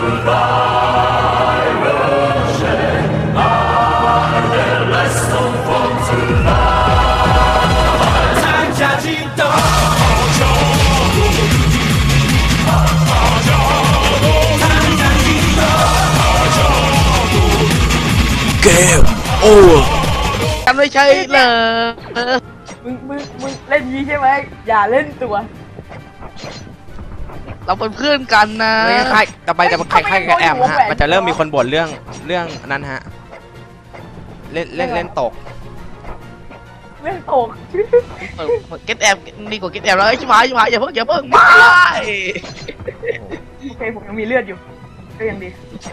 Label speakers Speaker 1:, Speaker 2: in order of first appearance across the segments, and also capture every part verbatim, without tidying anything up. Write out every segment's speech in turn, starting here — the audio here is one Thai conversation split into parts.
Speaker 1: เกมโอ้
Speaker 2: กันไม่ใช่เหรอ
Speaker 3: มึงมึงมึงเล่นยีใช่ไหมอย่าเล่นตัว
Speaker 2: เราเป็นเพื่อนกันนะ
Speaker 1: ใครต่อไปจะใครใครกับแอมฮะมันจะเริ่มมีคนบ่นเรื่องเรื่องนั้นฮะเล่นเล่นเล่นตก
Speaker 3: เล่นตก
Speaker 2: เก็ตแอมดีกว่าเก็ตแอมแล้วชิบหายชิบหายอย่าเพิ่งอย่าเพิ่งไม่
Speaker 3: โอเคผมยังมีเลือดอยู่ก็ยังดี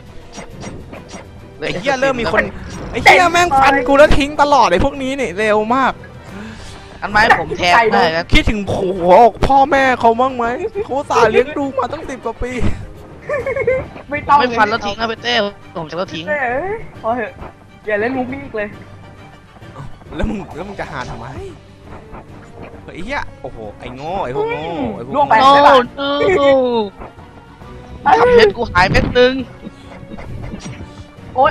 Speaker 1: ไอ้เหี้ยเริ่มมีคนไอ้เหี้ยแม่งฟันกูแล้วทิ้งตลอดไอ้พวกนี้นี่เร็วมาก
Speaker 2: อันไม้ผมแทงได้นะ
Speaker 1: คิดถึงผัวพ่อแม่เขาบ้างไหมเขาสาเลี้ยงดูมาตั้งสิบกว่าปี
Speaker 3: ไม่ต้อง
Speaker 2: ไม่ฟันแล้วทิ้งนะเปเต้ผมจะแล้วทิ้ง
Speaker 3: พอเหอะอย่าเล่นมุกนี้อีกเลย
Speaker 1: แล้วมึงแล้วมึงจะหาทำไมไอ้เหี้ยโอ้โหไอ้โง่ไอ้พวกโง่ไอ้พวก
Speaker 3: ล่วงไป
Speaker 2: โง่ทำเพชรกูหายเม็ดนึง
Speaker 3: โอ้ย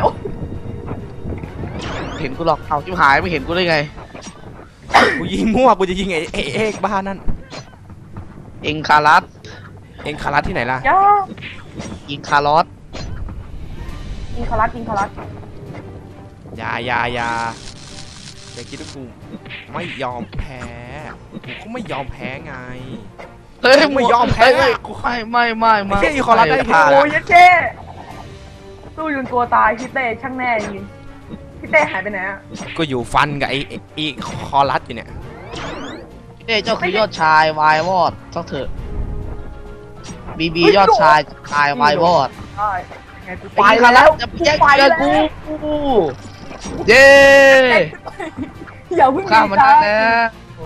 Speaker 2: เห็นกูหรอกเอาชิบหายไม่เห็นกูได้ไง
Speaker 1: กูยิงมั่วกูจะยิงไอ้เอ๊กบ้านั่น
Speaker 2: เอ็งคารัส
Speaker 1: เอ็งคารัสที่ไหนล่ะ
Speaker 2: ยิงคาร์ลอส
Speaker 3: ยิงคารัสยิงคารัส
Speaker 1: ยายายาอย่าคิดว่ากูไม่ยอมแพ้กูก็ไม่ยอมแพ้ไง
Speaker 2: เฮ้ยไม่ยอมแพ้กูไม่ไม่ไม่ไม่
Speaker 1: แค่อีคอรัสได้แค่
Speaker 3: โอ้ยเจ๊สู้ยุนตัวตายพี่เต้ช่างแน่จริงพี่เต้หายไปไหนอ่ะ
Speaker 1: ก็อยู่ฟันกับไอ้ไอ้คอรัสอยู่เนี่ย
Speaker 2: พี่เต้เจ้าคือยอดชายวายวอดสักเถอะบีบียอดชายชายวายวอด
Speaker 3: ไปแล้ว
Speaker 2: จะแย่งกันกูเย้
Speaker 3: อย่าเพิ่ง
Speaker 2: ข้ามันได้แล้ว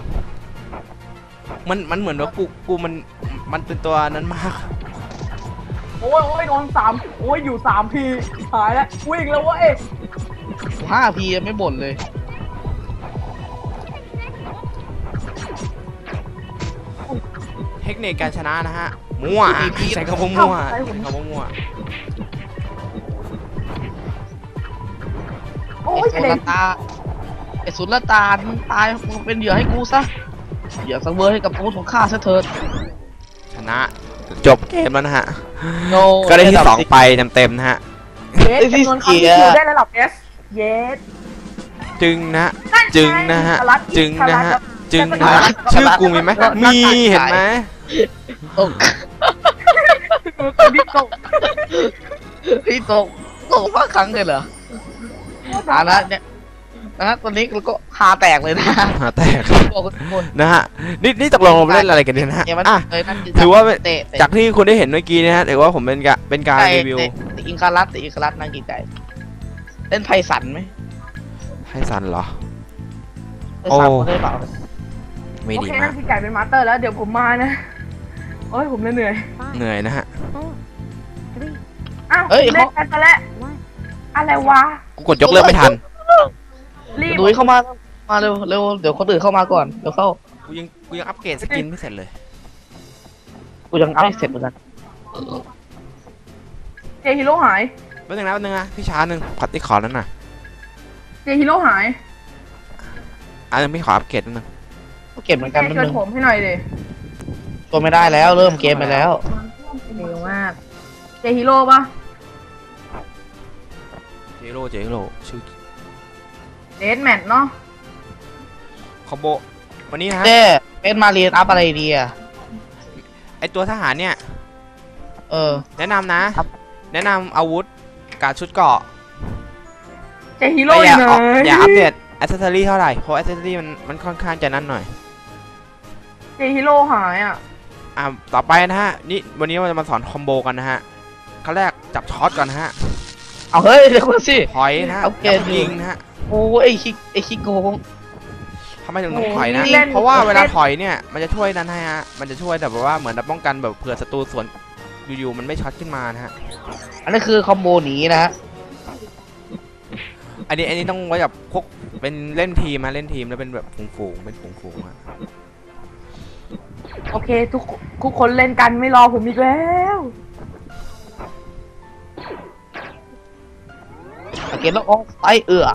Speaker 1: มันมันเหมือนว่ากูกูมันมันเป็นตัวนั้นมาก
Speaker 3: โอ้ยโอ้ยโดนสามโอ้ยอยู่สามพีหายแล้ววิ่งแล้ววะเอ๊ะ
Speaker 2: ห้าพีไม่บ่นเลย
Speaker 1: เทคนิคการชนะนะฮะมั่วใช้คำว่ามั่วคำว่ามั่ว
Speaker 2: โอ้ยสุลตาไอ้สุลตาตายมึงเป็นเหยื่อให้กูซะเหยื่อสังเวยให้กับอาวุธของข้าซะเถิด
Speaker 1: ชนะจบเกมแล้วนะฮะก็ได้ที่สองไปเต็มๆนะฮะ
Speaker 3: เยสจำนวนครั้งที่คิวได้ระดับเอสเยส
Speaker 1: จึงนะจึงนะฮะจึงนะฮะจึงนะชื่อกูมีไหมมีเห็นไหม
Speaker 2: ตกพี่ตกพี่ตกตกมาครั้งเลยเหรออ่านะเนี่ยนะตอนนี้เราก็หาแตกเลยนะ
Speaker 1: หาแตกนะฮะนี่นี่ตกลงเราเล่นอะไรกันเนี่ยนะฮะอ่ะถือว่าจากที่คุณได้เห็นเมื่อกี้นะฮะถือว่าผมเป็นการเป็นการรีวิว
Speaker 2: อิงคารัสอิงคารัสนั่งกินไก่เล่นไพสันไหม
Speaker 1: ไพสันเหรอ
Speaker 2: โอ้ได้เปล่า
Speaker 1: ไม่ดีมาก
Speaker 3: กินไก่เป็นมาสเตอร์แล้วเดี๋ยวผมมานะโอ้ยผมเหนื่อย
Speaker 1: เหนื่อยนะฮะ
Speaker 3: อ้าวเล่นกันไปแล้วอะไรวะ
Speaker 1: กูกดยกเลิกไม่ทัน
Speaker 2: ดูเข้ามามาเร็วเร็วเดี๋ยวคนอื่นเข้ามาก่อนเดี๋ยวเข้า
Speaker 1: กูยังกูยังอัปเกรดสกินไม่เสร็จเลย
Speaker 2: กูยังอัปเสร็จเหมือนกัน
Speaker 3: เจฮิโร่หาย
Speaker 1: แป๊บนึงนะแป๊บนึงนะพี่ช้าหนึ่งพัดที่ขอนั้นน่ะ
Speaker 3: เจฮิโร่หาย
Speaker 1: อันนึงไม่ขออัปเกรดนึง
Speaker 2: เก็บเหมือนกัน
Speaker 3: ช่วยผมให้หน่อยดิ
Speaker 2: ตัวไม่ได้แล้วเริ่มเกมไปแล้ว
Speaker 3: เร็วมากเจฮิโร่ปะ
Speaker 1: เจฮิโร่เจฮิโร่ชื่อ
Speaker 3: เดสแมทเนาะ
Speaker 1: คอมโบวันนี้ฮะ
Speaker 2: เด้เป็นมาเรียนอัพอะไรดีอะ
Speaker 1: ไอตัวทหารเนี่ย
Speaker 2: เออ
Speaker 1: แนะนำนะแนะนำอาวุธกับชุดเกราะ
Speaker 3: เจฮิโร่
Speaker 1: อย่าอย่าอัปเดตแอสเซสซอรี่เท่าไหร่เพราะแอสเซสซอรี่มันมันค่อนข้างจะนั่นหน่อย
Speaker 3: เจฮิโร่หายอ่ะ
Speaker 1: อ่าต่อไปนะฮะนี่วันนี้เราจะมาสอนคอมโบกันนะฮะขั้นแรกจับช็อตก่อนนะฮะ
Speaker 2: เอาเฮ้ยเดี๋ยวก่อนสิ
Speaker 1: ถอยนะฮะยิงนะฮะ
Speaker 2: โอ้ไอคิกไอคิกโกง
Speaker 1: ทำไมถึงต้องถอยนะเพราะว่าเวลาถอยเนี่ยมันจะช่วยนั้นให้ฮะมันจะช่วยแบบว่าเหมือนป้องกันแบบเผื่อศัตรูสวนอยู่ๆมันไม่ช็อตขึ้นมานะฮะ
Speaker 2: อันนี้คือคอมโบหนีนะฮะ
Speaker 1: อันนี้อันนี้ต้องไว้แบบพวกเป็นเล่นทีมมาเล่นทีมแล้วเป็นแบบฝูงๆเป็นฝูงๆอะ
Speaker 3: โอเคทุกทุกคนเล่นกันไม่รอผมอีกแล้ว
Speaker 2: เกตแล้วออกไปเอือก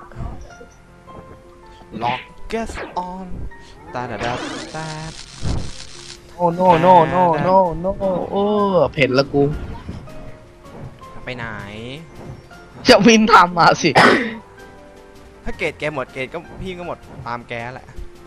Speaker 1: ล็อกเกสออนตาดาดาตา
Speaker 2: โอ้โนโนโนโนโนโอ้เผ็ดละกู
Speaker 1: ไปไหน
Speaker 2: จะวินทำมาสิ
Speaker 1: ถ้าเกตแกหมดเกตก็พี่ก็หมดตามแกแหละ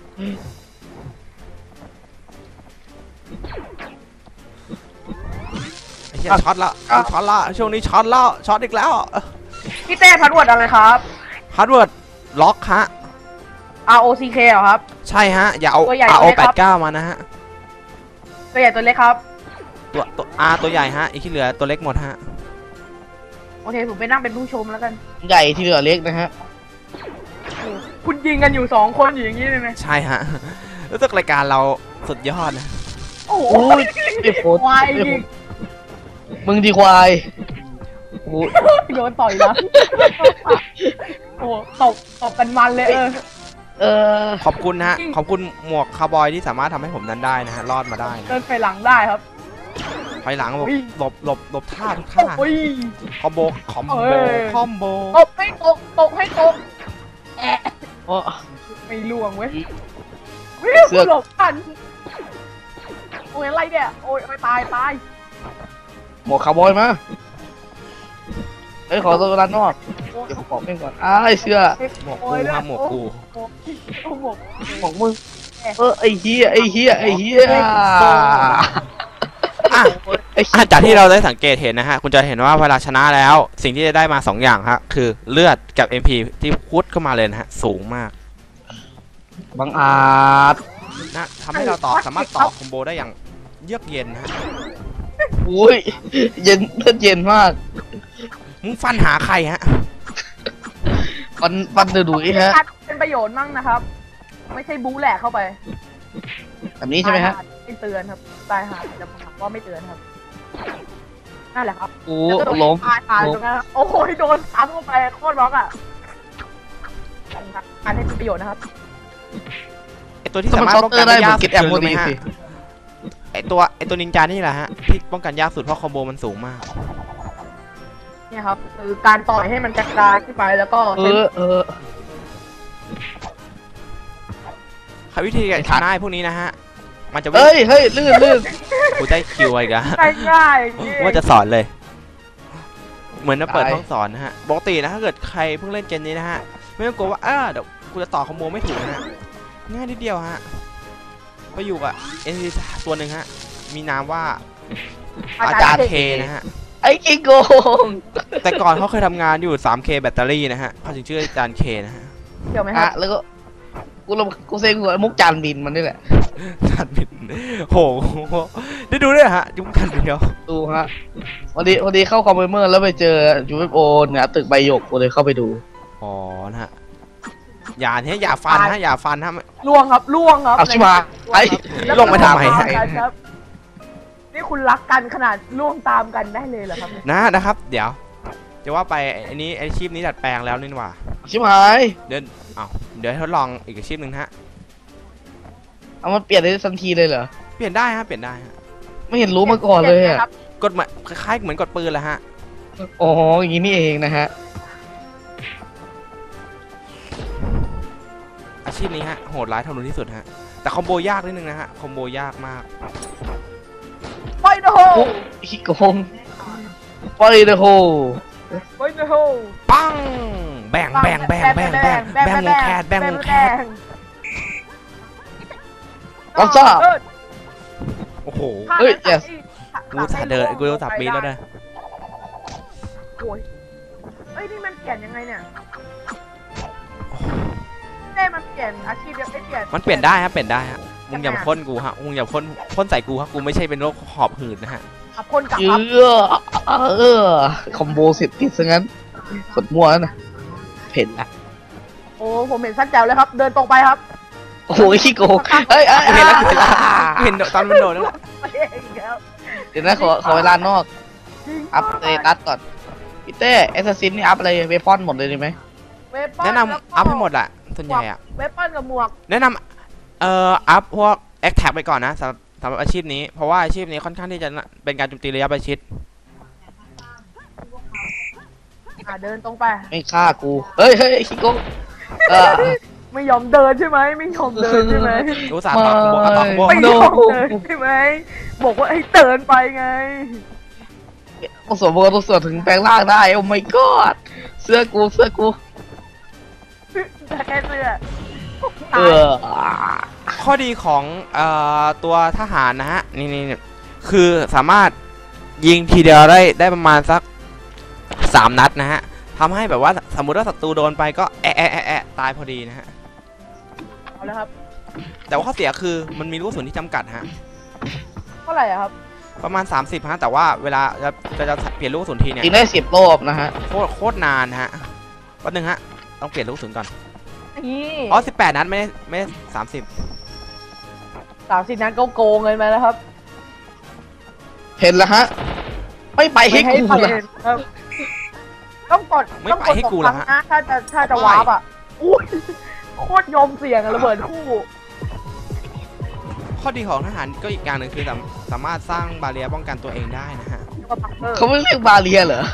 Speaker 1: ไอ้เหี้ยช็อตละช็อตละช่วงนี้ช็อตแล้วช็อตอีกแล้ว
Speaker 3: พี่เต้พัดวดอะไรครับ
Speaker 1: ฮาร์ดเวิร์ดล็อกฮะ
Speaker 3: R O C K เหรอครับ
Speaker 1: ใช่ฮะ อย่าเอา
Speaker 3: ตัวใหญ่
Speaker 1: R O
Speaker 3: ไหมครับ
Speaker 1: แปดเก้ามานะฮะ
Speaker 3: ตัวใหญ่ตัวเล็กครับ
Speaker 1: ตัวตัว R ตัวใหญ่ฮะ อีกที่เหลือตัวเล็กหมดฮะ
Speaker 3: โอเคผมไปนั่งเป็นผู้ชมแล้วกัน
Speaker 2: ใหญ่ที่เหลือเล็กนะฮะ
Speaker 3: คุณยิงกันอยู่สองคนอยู่อย่างนี้เลยไหม
Speaker 1: ใช่ฮะ รู้สึกรายการเราสุดยอดนะ
Speaker 3: โอ้โห
Speaker 2: โอ้ยไอ้โฟน
Speaker 3: ควายยิง
Speaker 2: มึงดีควายโอ้
Speaker 3: โดนต่อยนะโอ้ตบตบกันมันเลยเออ
Speaker 2: เออ
Speaker 1: ขอบคุณฮะ ขอบคุณหมวกคาวบอยที่สามารถทำให้ผมนั้นได้นะฮะ รอดมาได้นะ
Speaker 3: เดินไปหลังได้ครับ
Speaker 1: ภายหลังหลบ
Speaker 3: อุ้ย
Speaker 1: หลบหลบหลบท่าทุกท่า
Speaker 3: โอ้ย
Speaker 1: คอมโบ คอมโบ
Speaker 3: เอ้ย
Speaker 1: คอมโบ
Speaker 3: ตบให้ตกตกให้ตกแอะ
Speaker 2: โอ้
Speaker 3: ไม่ล่วงเว้ย
Speaker 2: เสือก
Speaker 3: หลบทันโอ้ยอะไรเนี่ยโอ้ยโอ้ยตายตาย
Speaker 2: หมวกคาวบอยมาเฮ้ยขอตัวร้านนอกเดี๋ยวผมขอเพ่งก่อนอ้ายเสื้อ
Speaker 1: หมวกกูฮะหมวกกู
Speaker 3: โอ้ยโอ้ยหมวก
Speaker 2: หมวกมึงเออไอ้เฮียไอ้เฮียไอ้เฮีย
Speaker 1: อ่ะ
Speaker 2: ไอ้
Speaker 1: อ่ะจากที่เราได้สังเกตเห็นนะฮะ คุณจะเห็นว่าเวลาชนะแล้ว สิ่งที่จะได้มาสองอย่างฮะ คือเลือดกับ เอ็ม พี ที่พุดเข้ามาเลยนะฮะ สูงมาก
Speaker 2: บังอาจ
Speaker 1: นะทำให้เราต่อสามารถต่อคอมโบได้อย่างเยือกเย็นนะฮะ
Speaker 2: อุ้ยเย็นเลือดเย็นมาก
Speaker 1: มึงฟันหาใครฮะ
Speaker 2: ฟันฟันเดือดดุยฮะ
Speaker 3: เป็นประโยชน์มั่งนะครับ ไม่ใช่บู๊แหลกเข้าไป
Speaker 2: แบบนี้ใช่ไหมฮะ
Speaker 3: ตายาไม่เตือนครับตายหาแต่ผมถามว่าไม่เตือนครับนั่นแหละครับ
Speaker 2: โอ้ล้ม
Speaker 3: ตายหาตรงนั้นครับโอ้โหโดนซ้ำเข้าไปโคตรบล็อกอ่ะการให้เป็นประโยชน์นะครับ
Speaker 1: ไอตัวที่สามารถป้องกันได้ยากสุดคือรู้ไหมฮะ
Speaker 2: สิ
Speaker 1: ไอตัวไอตัวนินจานี่แหละฮะที่ป้องกันยากสุดเพราะคอมโบมันสูงมาก
Speaker 3: เนี่ยครับคือการต่อยให้มันกระจายขึ้นไปแล้วก็
Speaker 2: เอ
Speaker 3: เป็น
Speaker 2: อเออ
Speaker 1: ค่ะวิธีการชนะไอ้พวกนี้นะฮะ มันจะวิ่
Speaker 2: เฮ้
Speaker 1: ง
Speaker 2: ยเฮ้ยลื่นลื่น
Speaker 1: กูได้คิวอีกแล้ว
Speaker 3: ง่ายๆนี่
Speaker 1: ว่าจะสอนเลย เหมือนจะเปิด
Speaker 2: ตาย
Speaker 1: ห้องสอนนะฮะปกตินะถ้าเกิดใครเพิ่งเล่นเกมนี้นะฮะไม่ต้องกลัวว่าเออเดี๋ยวกูจะต่อคอมโบไม่ถูกนะฮะง่ายนิดเดียวฮะไปอยู่กับเอ็นซีตัวหนึ่งฮะมีนามว่าอาจารย์เคนะฮะ
Speaker 2: ไอ้กิโกง
Speaker 1: แต่ก่อนเขาเคยทำงานอยู่ ทรี เค แบตเตอรี่นะฮะเขาถึงชื่ออาจารย์เคนะฮะ
Speaker 3: เกี่ยวไหมค
Speaker 2: อ่ะ
Speaker 3: รับ
Speaker 2: แล้วก็กูลงกูเซ็งหัวมุกจานบินมันนี่แหละ
Speaker 1: จานบินโหได้ดูด้วยเหรอฮะยุคกันเดียว
Speaker 2: ดูฮะวันนี้วันนี้เข้าคอมเมอร์แล้วไปเจอ ยู เอฟ โอ เนี่ยตึกใบหยกกูเลยเข้าไปดู
Speaker 1: อ๋อนะฮะอย่าเนี่ยอย่าฟันฮะอย่าฟันฮะ
Speaker 3: ล่วงครับล่วงครับ
Speaker 2: เอาชิมาไอ้
Speaker 1: ลงไปทำไมฮะ
Speaker 3: ครับนี่คุณรักกันขนาดล่วงตามกันได้เลยเหรอครับ
Speaker 1: นะนะครับ เดี๋ยวจะว่าไปอันนี้อาชีพนี้ดัดแปลงแล้วนี่หว่า
Speaker 2: ชิมหาย
Speaker 1: เดี๋ยวเอาเดี๋ยวทดลองอีกอาชีพหนึ่งนะฮะ
Speaker 2: เอามาเปลี่ยนได้ทันทีเลยเหรอ
Speaker 1: เปลี่ยนได้ฮะเปลี่ยนได้ฮะ
Speaker 2: ไม่เห็นรู้มาก่อนเลยอ่ะ
Speaker 3: ครับ
Speaker 1: กดเหมือนคล้ายๆเหมือนกดปืนแหละฮะ
Speaker 2: อ๋ออย่างนี้นี่เองนะฮะ
Speaker 1: อาชีพนี้ฮะโหดร้ายทารุณที่สุดฮะแต่คอมโบยากนิดนึงนะฮะคอมโบยากมาก
Speaker 3: ไปเดอะโฮ
Speaker 2: โอ้ขี้โกงไปเดอะโฮ
Speaker 3: ไปเดอะโฮ
Speaker 1: ปังแบ่งแบ่งแบ่งแบ่งแบ่งแบ่งวงแคทแบ่งวงแคท
Speaker 2: รับทราบ
Speaker 1: โอ้โห
Speaker 2: เฮ้ย yes
Speaker 1: กูสาเดินกูสาปีนแล้วนะ
Speaker 3: โอ้ยเอ้ยนี่มันเปลี่ยนยังไงเนี่ยเต้มันเปลี่ยนอาชีพยังไม่เปลี่ยน
Speaker 1: มันเปลี่ยนได้ฮะเปลี่ยนได้ฮะมึงอย่าพ่นกูฮะมึงอย่าพ่นพ่นใส่กูฮะกูไม่ใช่เป็นโรคหอบหืดนะฮะ
Speaker 3: ขับคนกลับ
Speaker 2: เย
Speaker 3: ครับ
Speaker 2: อะเออคอมโบเสร็จติดซะงั้นกดมั่วแล้วนะเผ็ดนะ
Speaker 3: โอ้ผมเห็นสั้นแจ๋วเลยครับ เดินตรงไปครับ
Speaker 2: โอ้โหขี้โกงเฮ้ยเอ้ย
Speaker 1: เห็นแล้วเห็นแล้วเห็นตอนมันโดนแล้ว
Speaker 3: ไปเองแล้ว
Speaker 2: เดี๋ยวนะขอขอเวลานอก อัพเตตัสก่อนพี่เต้แอสซัสซินนี่อัพอะไรเวพอนหมดเลยดีไหม
Speaker 3: เวปอน
Speaker 1: แนะนำอัพให้หมดแหละส่วนใหญ่อะ
Speaker 3: เวปอนกับหมวก
Speaker 1: แนะนำเอ่ออัพพวกแอคแท็กไปก่อนนะสำหรับสำหรับอาชีพนี้เพราะว่าอาชีพนี้ค่อนข้างที่จะเป็นการโจมตีระยะประชิด
Speaker 3: อ่ะเดินตรงไป
Speaker 2: ไม่ฆ่ากู เฮ้ยเฮ้ยคิโก้เออ
Speaker 3: ไม่ยอมเดินใช่ไหมไม่ยอมเดินใช่ไหม
Speaker 1: รู้สาห์ต่อคอมโบอ่ะต่อคอมโบ
Speaker 3: ไม่ยอมเดินใช่ไหมบอกว่าให้เดินไปไง
Speaker 2: ต้องสวมตัวต้องสวมถึงแปลงร่างได้ โอ้ my god เสื้อกูเสื้อกู
Speaker 3: แต่แค่เสื้อ
Speaker 2: เออ
Speaker 1: ข้อดีของเอ่อตัวทหารนะฮะนี่นี่นี่คือสามารถยิงทีเดียวได้ได้ประมาณสักสามนัดนะฮะทำให้แบบว่าสมมติว่าศัตรูโดนไปก็แอะแอะแอะแอะตายพอดีนะฮะ
Speaker 3: เอาแล้วครับ
Speaker 1: แต่ว่าข้อเสียคือมันมีลูกกระสุนที่จำกัดฮะ
Speaker 3: เท่าไหร่อะครับ
Speaker 1: ประมาณสามสิบฮะแต่ว่าเวลาจะจะจะเปลี่ยนลูกกระสุนทีเนี่ย
Speaker 2: ยิงได้สิบรอบนะฮะ
Speaker 1: โคตรโคตรนานฮะแป๊บนึงฮะต้องเปลี่ยนลูกกระสุนก่อน
Speaker 3: นี่
Speaker 1: อ๋อสิบแปดนัดไม่ได้ไม่ได้สามสิบ
Speaker 3: สามสิบนั้นก็โกงเงินมาแล้วครับ
Speaker 2: เห็นแล้วฮะ ไม่ไปให้
Speaker 3: ไม่ให้
Speaker 2: กู
Speaker 3: ไป
Speaker 2: ละ
Speaker 3: ครับต้องกด
Speaker 1: ไม่
Speaker 3: ต้อง
Speaker 1: ไป
Speaker 3: กด
Speaker 1: ให้
Speaker 3: สอง
Speaker 1: กู
Speaker 3: ค
Speaker 1: เหร
Speaker 3: รั้
Speaker 1: อง ฮะ
Speaker 3: นะถ้าจะถ้าจะวาร์ปอ่ะอุ้ยโคตรยอมเสี่ยงอะระเบิดคู่
Speaker 1: ข้อดีของทหารก็อีกอย่างหนึ่งคือสามสามารถสร้างบาเรียป้องกันตัวเองได้นะฮะ
Speaker 2: เขาไม่เรียกบาเรียเหรอ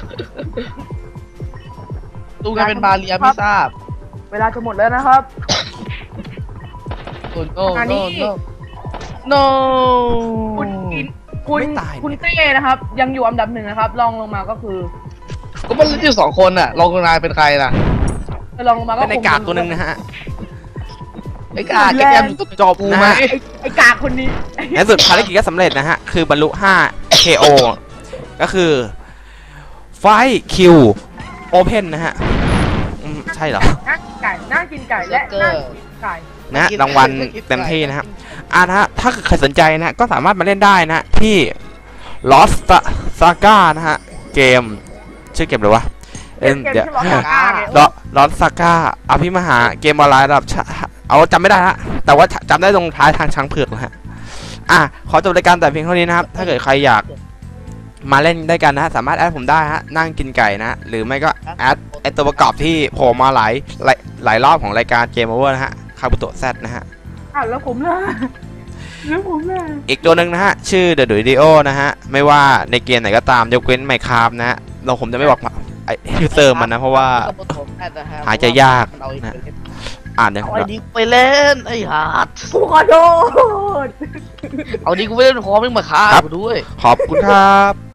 Speaker 2: ดูกันเป็นบาเรียไม่ทราบ
Speaker 3: เวลาจะหมดแล้วนะครับ
Speaker 2: โอ้โน
Speaker 3: อัน
Speaker 2: โน
Speaker 3: นี้
Speaker 2: โนโน
Speaker 3: คุณอินคุณ
Speaker 1: ไม่ตาย
Speaker 3: คุณเต้นะครับ ยังอยู่อันดับหนึ่งนะครับลองลงมาก็คือ
Speaker 2: ก็มันเล่นอยู่สองคนน่ะลองนายเป็นใครล่ะ
Speaker 3: ลองลงมาก็
Speaker 1: เป็นในกากตัวหนึ่งนะฮะ
Speaker 2: ไอ้กาแกแกมอยู่
Speaker 1: จบ
Speaker 2: กู
Speaker 1: นะ
Speaker 2: ไหม
Speaker 1: ฮะ
Speaker 3: ไอ้ไอ้กากคนนี้
Speaker 1: ในสุดภารกิจก็สำเร็จนะฮะ คือบรรลุ ห้า เค โอ ก็คือไฟคิวโอเพนนะฮะอืมใช่เหรอ
Speaker 3: นั่งกินไก่นั่งกินไก่และนั่งกินไก่
Speaker 1: นะรางวัลเต็มที่นะครับอ่านะฮะถ้าใครสนใจนะก็สามารถมาเล่นได้นะที่ Lost Saga นะฮะเกมชื่อเกมอะไรวะ
Speaker 3: เกมที่ร้องกากาไง
Speaker 1: ลอลอสซาก้าอภิมหาเกมออนไลน์ระดับชาเอาจำไม่ได้ฮะแต่ว่าจำได้ตรงท้ายทางช้างเผือกนะฮะอ่ะขอจบรายการแต่เพียงเท่านี้นะครับถ้าเกิดใครอยากมาเล่นได้กันนะฮะสามารถแอดผมได้ฮะนั่งกินไก่นะหรือไม่ก็แอดไอตัวประกอบที่โผล่มาหลายหลายหลายรอบของรายการเกมโอเวอร์นะฮะคาบุโตะแซดนะฮะ
Speaker 3: อ้าวแล้วผมล่ะแล้วผมล่ะ
Speaker 1: อีกตัวหนึ่งนะฮะชื่อ The Dudio นะฮะไม่ว่าในเกมไหนก็ตามยกเว้น Minecraft นะฮะเราผมจะไม่บอกไอยูเซอร์มันนะเพราะว่า หายใจยากนะ อ่านเนี่ย
Speaker 2: เอาไอ้ดิไปเล่นไอ้ฮาร์ด
Speaker 3: กูขอโทษ
Speaker 2: เอาดิกูไปเล่นพร้อมไม่มาฆ่ากูด้วย
Speaker 1: ขอบคุณครับ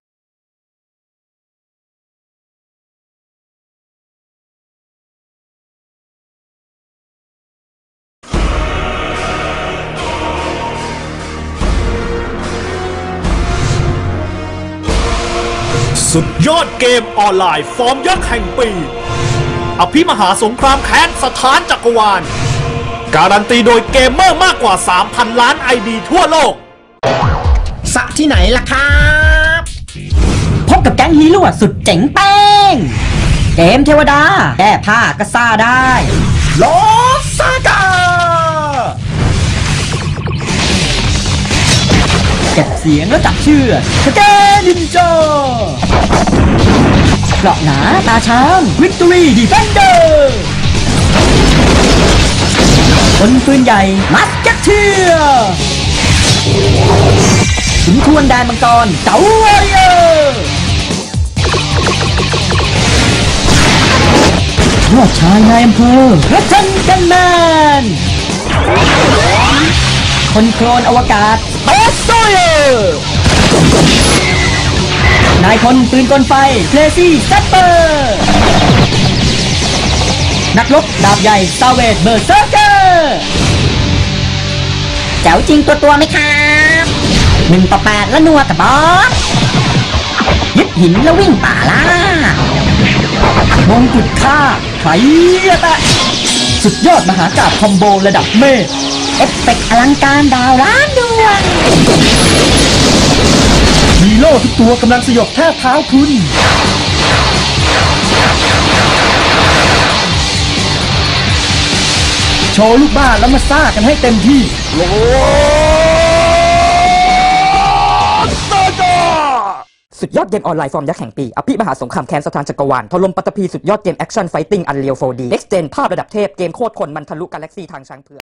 Speaker 4: สุดยอดเกมออนไลน์ฟอร์มยักษ์แห่งปี อภิมหาสงครามแค้นสถานจักรวาล การันตีโดยเกมเมอร์มากกว่า สามพัน ล้าน ไอ ดี ทั่วโลก
Speaker 5: สะที่ไหนล่ะครับ พบกับแก๊งฮีโร่สุดเจ๋งแป้ง เกมเทวดาแก้ผ้าก็ซ่าได้โลซากาเก็บเสียงแล้วจับเชือกสเกนินจาเกราะหนาตาช้างวิกตอรี่ดีเฟนเดอร์คนปืนใหญ่มัสเก็ตเทียร์ขุนทวนแดนมังกรเก๋าวอริเออร์ยอดชายนายอำเภอพระจันทร์กันแมนคนโคลนอวกาศเบสโซเยอร์นายพลปืนกลไฟเคลซี่แซปเปอร์นักรบดาบใหญ่ซาเวดเบอร์เซอร์เกอร์แจ๋วจริงตัวตัวไหมครับหนึ่งต่อแปดแล้วนัวกับบอสยึดหินแล้ววิ่งป่าล่ามงกุฎฆ่าไข่แตะสุดยอดมหากาพย์คอมโบระดับเมฆเอฟเฟกต์อลังการดาวล้านดวงฮีโร่ทุกตัวกำลังสยบแทบเท้าคุณโชว์ลูกบ้านแล้วมาซ่ากันให้เต็มที่โลสุดยอดเกมออนไลน์ฟอร์มยักษ์แห่งปีอภิมหาสงครามแค้นสถานจักรวาลถล่มปัตตภีสุดยอดเกมแอคชั่นไฟติ้งอันเรียล โฟร์ดี Next Gen ภาพระดับเทพเกมโคตรคนมันทะลุกาแล็กซี่ทางช้างเผือก